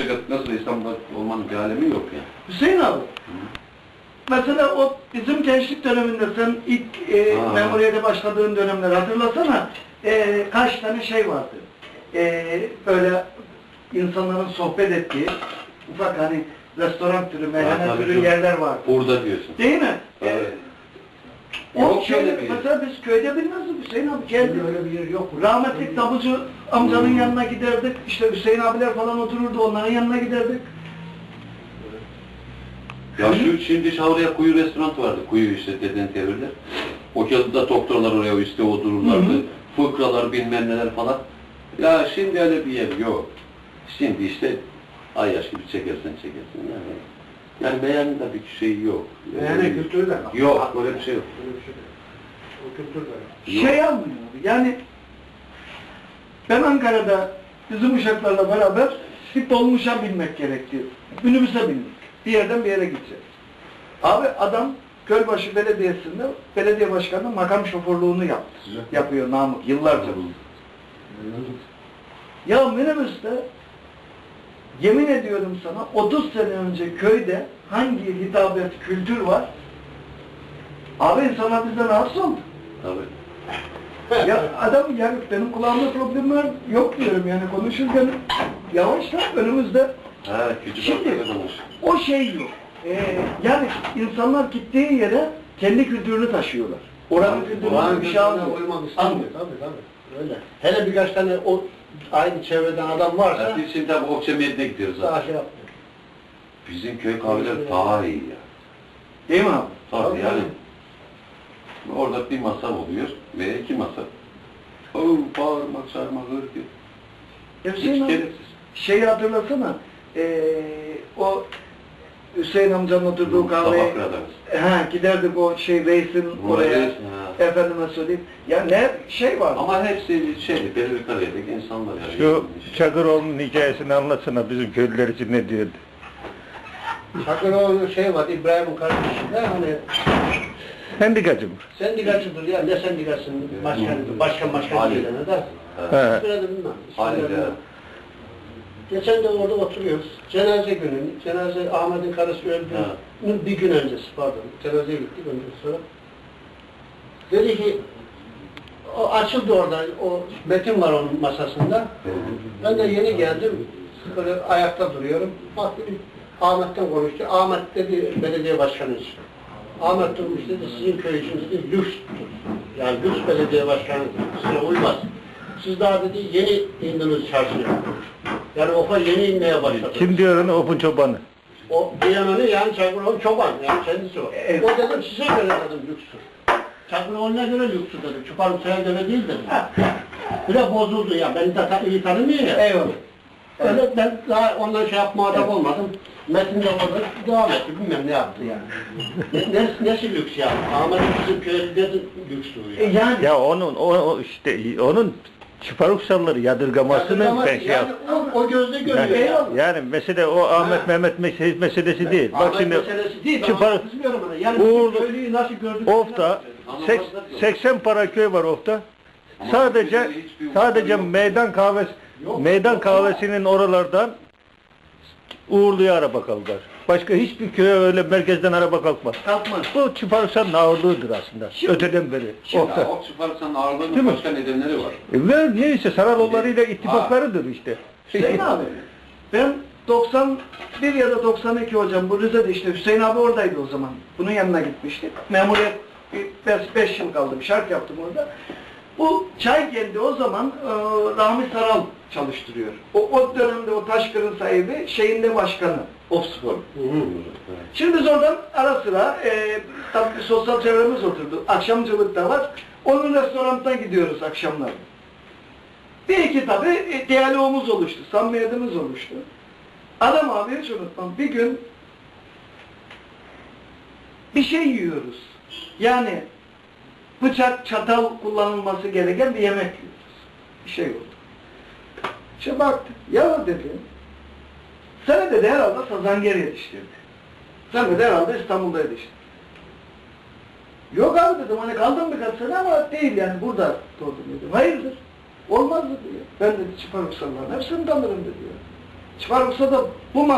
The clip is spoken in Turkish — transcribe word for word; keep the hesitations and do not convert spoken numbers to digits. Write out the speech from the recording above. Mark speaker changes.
Speaker 1: memleket nasıl İstanbul'da olmanın bir alemi yok yani.
Speaker 2: Hüseyin abi, Hı. mesela o bizim gençlik döneminde sen ilk e, memuriyete başladığın dönemleri hatırlasana, e, kaç tane şey vardı. E, böyle insanların sohbet ettiği ufak hani restoran türü, meyhane türü yerler vardı.
Speaker 1: Burada diyorsun.
Speaker 2: Değil mi?
Speaker 1: Evet.
Speaker 2: E, o şeyde, mesela biz köyde bilmezdik Hüseyin abi geldi.
Speaker 3: Öyle bir yer yok.
Speaker 2: Rahmetlik tabucu amcanın hmm. yanına giderdik. İşte Hüseyin abiler falan otururdu, onların yanına giderdik.
Speaker 1: Ya şu şimdi Şavriye Kuyu restoran vardı. Kuyu işte deden tevirler. O kağıtta doktorlar oraya işte otururlardı. Hı hı. Fıkralar bilmem neler falan. Ya şimdi öyle bir yer yok. Şimdi işte ay yaş gibi çekersen çekersin yani. Yani beğenin de bir şey yok.
Speaker 3: Yani yani kültürü de
Speaker 1: yok. Öyle bir şey yok.
Speaker 3: Öyle bir şey yok. O kültür de
Speaker 2: yok. Şey almıyor yani ben Ankara'da bizim uşaklarla beraber bir dolmuşa binmek gerekti. Minibüse bindik. Bir yerden bir yere gideceğiz. Abi adam Gölbaşı Belediyesi'nde belediye başkanı makam şoförlüğünü yaptı. Evet. Yapıyor Namık yıllarca. Evet. Ya minibüste yemin ediyorum sana otuz sene önce köyde hangi hitabet, kültür var? Abi insanlar bizden rahatsız oldu.
Speaker 1: Tabii.
Speaker 2: Ya adam yani benim kulağımda problem var yok diyorum yani konuşurken yavaşla önümüzde.
Speaker 1: Ha,
Speaker 2: şimdi o şey yok. Ee, yani insanlar gittiği yere kendi kültürünü taşıyorlar. Oranın kültürünü bir şey almıyor.
Speaker 3: Tabii tabii. Öyle. Hele birkaç tane o aynı çevreden adam varsa.
Speaker 1: Ya biz şimdi bu Okçamiyet'e gidiyoruz
Speaker 3: daha şey yapmıyor.
Speaker 1: Bizim köy kahveleri daha iyi ya.
Speaker 2: Değil mi abi?
Speaker 1: Tabii, tabii yani. Orada bir masa oluyor veya iki masa. Oo, bağırmak, çağırmak, hırgı.
Speaker 2: Hiç gereksiz. Şeyi hatırlasana, ee, o Hüseyin amcanın oturduğu kahveye he, giderdik o şey reisin oraya, reis, efendime söyleyeyim. Ya ne şey var.
Speaker 1: Ama hepsi şeydi, belirli kariyedeki insanlar yani.
Speaker 4: Şu Çakıroğlu'nun hikayesini anlatsana bizim köylüler için ne diyordu?
Speaker 3: Çakıroğlu'nun şey var, İbrahim'in kardeşi de hani
Speaker 4: sendikacı mı?
Speaker 3: Sendikacıdır ya, ne sendikasının başkanıdır, başkan başkan şeylerine de. Hiçbirine de bilmem.
Speaker 1: Hayır ya.
Speaker 3: Geçen de orada oturuyoruz. Cenaze günü, cenaze Ahmet'in karısı öldüğünün bir gün öncesi pardon. Cenazeye gittik ondan sonra. Dedi ki, o açıldı orada, o metin var onun masasında. Ben de yeni geldim, böyle ayakta duruyorum. Baktım, Ahmet'ten konuştu. Ahmet dedi, belediye başkanı için. Ahmet durmuş dedi, sizin köy için dedi, lükstur. Yani lüks belediye başkanı size uymaz. Siz daha dedi, yeni indiniz çarşıya. Yani ofa yeni inmeye başladı.
Speaker 4: Kim diyor onu? Opun çobanı.
Speaker 3: O diyananı yani Çakıroğlu çoban, yani kendisi o. Evet. O dedim size göre dedim lükstür. Çakıroğlu'na göre lükstür dedim. Çuparlıkçı'ya göre değil dedim. Bile bozuldu ya, beni de iyi tanımıyor ya.
Speaker 2: Eyvallah.
Speaker 3: Öyle ben daha ondan şey yapma adam olmadım. Metin de orada devam etti, bilmem ne yaptı yani. ne, ne, nesi lüks yani? Ahmet'in bizim köyde lükstür yani.
Speaker 2: E yani.
Speaker 4: Ya onun, o, o işte, onun Çıparuksalları yadırgamasını
Speaker 3: Yadırgaması,
Speaker 4: ben şey
Speaker 3: yani o, o gözle görüyor
Speaker 4: yani,
Speaker 3: yani.
Speaker 4: Yani mesele o Ahmet ha. Mehmet meselesi, meselesi değil.
Speaker 3: Ahmet
Speaker 4: Bak şimdi
Speaker 3: meselesi değil.
Speaker 4: Çıparuk
Speaker 3: yani
Speaker 4: Uğurlu
Speaker 3: nasıl gördük?
Speaker 4: Of'ta seksen para köy var Of'ta. Sadece sadece meydan kahvesi yok, meydan yok, kahvesinin oralardan Uğurlu'ya araba kalkar. Başka hiçbir köye öyle merkezden araba kalkmaz.
Speaker 2: Kalkmaz.
Speaker 4: Bu Çıparuksal'ın ağırlığıdır aslında. Şimdi, öteden beri.
Speaker 1: Şimdi o Çıparuksal'ın ağırlığının başka nedenleri var.
Speaker 4: E ve neyse Saraloğulları'yla ittifaklarıdır işte.
Speaker 2: Hüseyin abi, ben doksan bir ya da doksan iki hocam bu Rize'de işte Hüseyin abi oradaydı o zaman. Bunun yanına gitmiştik. Memuriyet beş yıl kaldım, şark yaptım orada. Bu çay geldi o zaman e, Rahmi Saral çalıştırıyor. O, o dönemde o Taşkır'ın sahibi şeyinde başkanı. Ofspor. Şimdi biz oradan ara sıra e, tabii sosyal çevremiz oturdu. Akşamcılık da var. Onun restoranına gidiyoruz akşamlar. Bir iki tabii e, diyalogumuz oluştu. Samimiyetimiz oluştu. Adam abi hiç unutmam. Bir gün bir şey yiyoruz. Yani bıçak, çatal kullanılması gereken bir yemek yiyoruz. Bir şey oldu. İşte baktım. Ya dedi. Sen de herhalde Sazanger yetiştirdi. Sen de herhalde İstanbul'da yetiştirdin. Yok abi dedim, hani kaldım birkaç sene ama değil yani burada doğdum dedim. Hayırdır? Olmaz dedi ya. Ben dedi Çıparuksalların hepsini tanırım dedi ya. Çıkarılsa da bu